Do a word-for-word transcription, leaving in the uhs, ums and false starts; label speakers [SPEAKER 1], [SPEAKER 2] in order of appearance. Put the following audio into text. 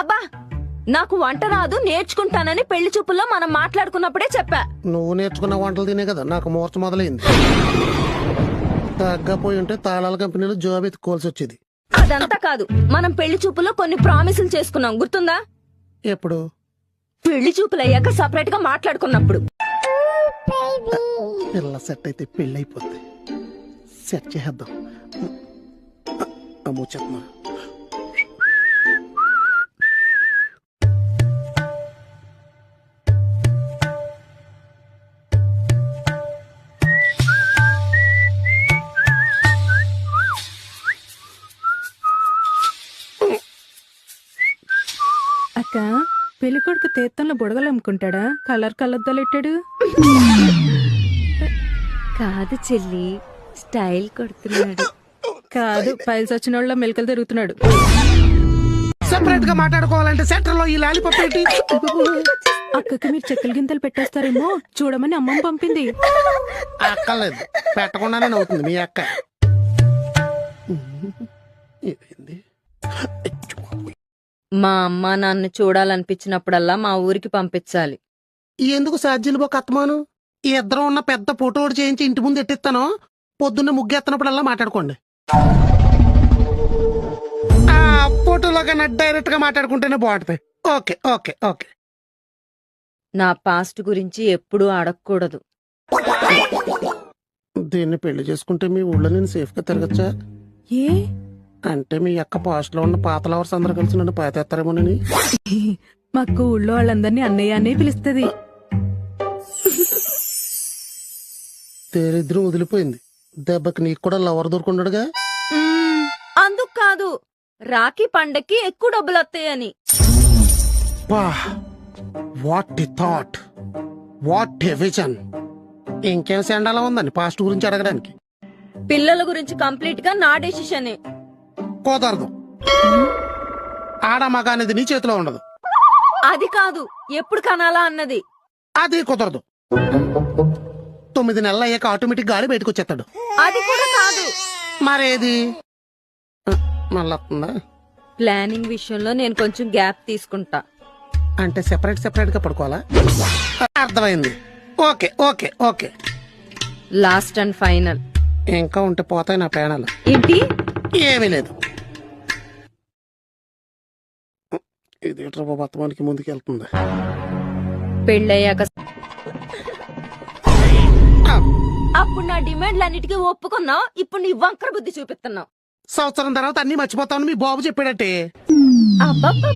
[SPEAKER 1] అబ్బా నాకు వంట రాదు, నేర్చుకుంటానని పెళ్లి చూపుల్లో మనం మాట్లాడుకున్నప్పుడే చెప్పా.
[SPEAKER 2] నువ్వు నేర్చుకున్న వంటలు తినే కదా నాకు మూర్చ మొదలైంది. తగ్గపోయి ఉంటే తాళాల కంపెనీలో జాబ్ ఎత్తుకోవాల్సి వచ్చేది.
[SPEAKER 1] అదంతా కాదు, మనం పెళ్లి చూపుల్లో కొన్ని ప్రామిసులు చేసుకున్నాం, గుర్తుందా?
[SPEAKER 2] ఎప్పుడు?
[SPEAKER 1] పెళ్లి చూపులు అయ్యాక సపరేట్ గా మాట్లాడుకున్నప్పుడు.
[SPEAKER 2] పిల్ల సెట్ అయితే పెళ్ళి అయిపోద్ది. సెట్ చేద్దాం. అమ్మో చెప్పమా.
[SPEAKER 3] అక్క పెళ్లి కొడుకు తీర్థంలో బుడగలు అమ్ముకుంటాడా? కలర్ కలద్దలెట్టాడు.
[SPEAKER 1] కాదు చెల్లి, స్టైల్ కొడుతున్నాడు.
[SPEAKER 3] కాదు, పైల్స్ వచ్చిన వాళ్ళ మెలకలు తిరుగుతున్నాడు.
[SPEAKER 2] సెపరేట్ గా మాట్లాడుకోవాలంటే సెంటర్ లో ఈ లాలిపప్ ఏంటి?
[SPEAKER 3] అక్కకి మీరు చెక్కల గింతలు పెట్టేస్తారేమో చూడమని అమ్మమ్మ పంపింది.
[SPEAKER 2] అక్కర్లేదు, పెట్టకుండానే నవ్వుతుంది మీ అక్క. ఏమైంది?
[SPEAKER 1] మా అమ్మ నాన్న చూడాలనిపించినప్పుడల్లా మా ఊరికి పంపించాలి.
[SPEAKER 2] ఎందుకు సాధ్యులు బొక్క అత్తమాను? ఈ ఇద్దరం ఉన్న పెద్ద ఫోటో ఒకటి చేయించి ఇంటి ముందు ఎట్టిస్తాను. పొద్దున్న ముగ్గెత్తనప్పుడల్లా మాట్లాడుకోండి. ఆ ఫోటోలో కన్నా డైరెక్ట్ గా మాట్లాడుకుంటేనే బాగుంటుంది. Okay okay okay.
[SPEAKER 1] నా పాస్ట్ గురించి ఎప్పుడూ అడగకూడదు.
[SPEAKER 2] దీన్ని పెళ్లి చేసుకుంటే మీ ఊళ్ళో నేను సేఫ్ గా తిరగచ్చా?
[SPEAKER 3] ఏ
[SPEAKER 2] అంటే మీ అక్క పాస్ట్ లో ఉన్న పాత లవర్స్ అందరూ కలిసి నన్ను పాతేస్తారేమోనని.
[SPEAKER 3] మా ఊళ్ళో వాళ్ళందరినీ అన్నయ్య అనే పిలుస్తుంది.
[SPEAKER 2] తేరిద్రం వదిలిపోయింది. దెబ్బకి నీకు కూడా లవర్ దొరుకున్నాడుగా.
[SPEAKER 1] అందుకు కాదు, రాఖీ పండక్కి ఎక్కువ డబ్బులు వస్తాయని.
[SPEAKER 2] What a thought, what a vision. ఇంకేం సెండాలా ఉందండి పాస్ట్ గురించి అడగడానికి?
[SPEAKER 1] పిల్లల గురించి కంప్లీట్ గా నా డెసిషనే.
[SPEAKER 2] కుదరదు. ఆడ మగ అనేది నీ చేతిలో ఉండదు.
[SPEAKER 1] అది కాదు, ఎప్పుడు కనాలా అన్నది.
[SPEAKER 2] అది కుదరదు. తొమ్మిది నెలలు అయ్యాక ఆటోమేటిక్ గాలి బయటకు వచ్చేస్తాడు.
[SPEAKER 1] అది కూడా కాదు.
[SPEAKER 2] మరేది? మళ్ళొస్తుందా?
[SPEAKER 1] ప్లానింగ్ విషయంలో నేను కొంచెం గ్యాప్ తీసుకుంటా.
[SPEAKER 2] అంటే సెపరేట్ సెపరేట్ గా పడుకోవాలా? అర్థమైంది. Okay okay okay.
[SPEAKER 1] Last and final.
[SPEAKER 2] ఇంకా ఉంటే పోతాయి నా ప్రాణాలు.
[SPEAKER 1] ఏంటి?
[SPEAKER 2] ఏమీ లేదు. ఇది బతమానికి ముందుకు వెళ్తుంది.
[SPEAKER 1] పెళ్ళయ్యాక అప్పుడు నా డిమాండ్లన్నిటికీ ఒప్పుకున్నావు, ఇప్పుడు నీ వంకర బుద్ధి చూపిస్తున్నావు.
[SPEAKER 2] సంవత్సరం తర్వాత అన్ని మర్చిపోతామని మీ బాబు చెప్పాడటే.
[SPEAKER 1] అబ్బబ్బ